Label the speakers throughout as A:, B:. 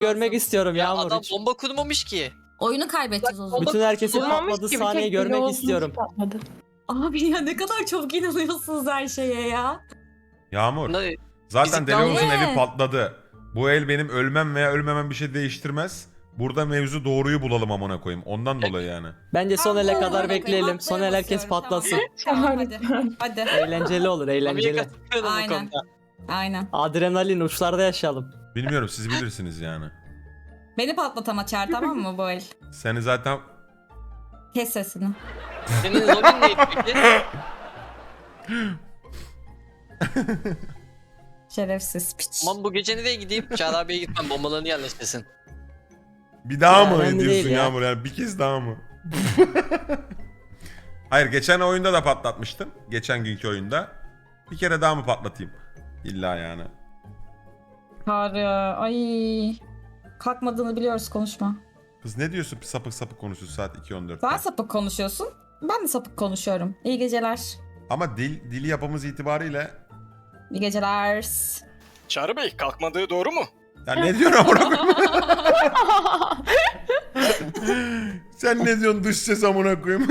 A: görmek istiyorum
B: Ya
A: Yağmur.
B: adam
A: Hiç.
B: bomba kurmamış ki.
C: Oyunu kaybedeceğiz o zaman.
A: Bütün herkesin
D: Kurmamış
A: patladığı
D: ki, bir
A: sahneyi
D: tek
A: görmek
D: Yavuz'un
A: istiyorum.
D: patladı.
C: Abi ya ne kadar çabuk inanıyorsunuz her şeye ya.
E: Yağmur.
B: Bunlar-
E: Zaten
B: Fizikten
E: Delion'un
C: ne?
E: evi patladı. Bu el benim ölmem veya ölmemem bir şey değiştirmez. Burada mevzu doğruyu bulalım amına koyayım. Ondan dolayı yani.
A: Bence son
C: Ben
A: ele
C: bunu
A: kadar
C: koyayım,
A: bekleyelim.
C: atlaya
A: Son el herkes
C: basıyorum,
A: patlasın.
C: Tamam hadi. Hadi.
A: Eğlenceli olur,
B: Mami'ye
A: eğlenceli.
B: katılıyorum bu
C: Aynen.
B: konuda.
C: Aynen.
A: Adrenalin uçlarda yaşayalım.
E: Bilmiyorum siz bilirsiniz yani.
C: Beni patlat ama Çağrı, tamam mı bu el?
E: Seni zaten
C: Kes sesini.
B: Senin zombi neydi peki?
C: Şerefsiz piç.
B: Aman bu gece nereye gideyim? Çağrı abiye gitmem, bombalarını yerleştirsin.
E: bir daha
A: Ya,
E: mı
A: önemli
E: diyorsun
A: değil ya.
E: Yağmur yani bir kez daha mı? Hayır geçen oyunda da patlatmıştım. Geçen günkü oyunda. Bir kere daha mı patlatayım? İlla yani.
C: Çağrı, ay. Kalkmadığını biliyoruz, konuşma.
E: Kız ne diyorsun sapık sapık konuşuyorsun saat 2.14'te.
C: Sen sapık konuşuyorsun. Ben de sapık konuşuyorum. İyi geceler.
E: Ama dili yapımız itibariyle
C: İyi geceler.
F: Çağrı Bey kalkmadığı doğru mu?
E: ya ne diyorsun amına koyayım? Sen ne diyorsun dış ses amına koyayım?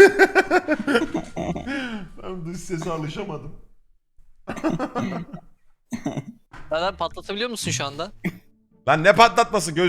E: Ben dış sese alışamadım.
B: Çağrı abi patlatabiliyor musun şu anda?
E: Lan ne patlatması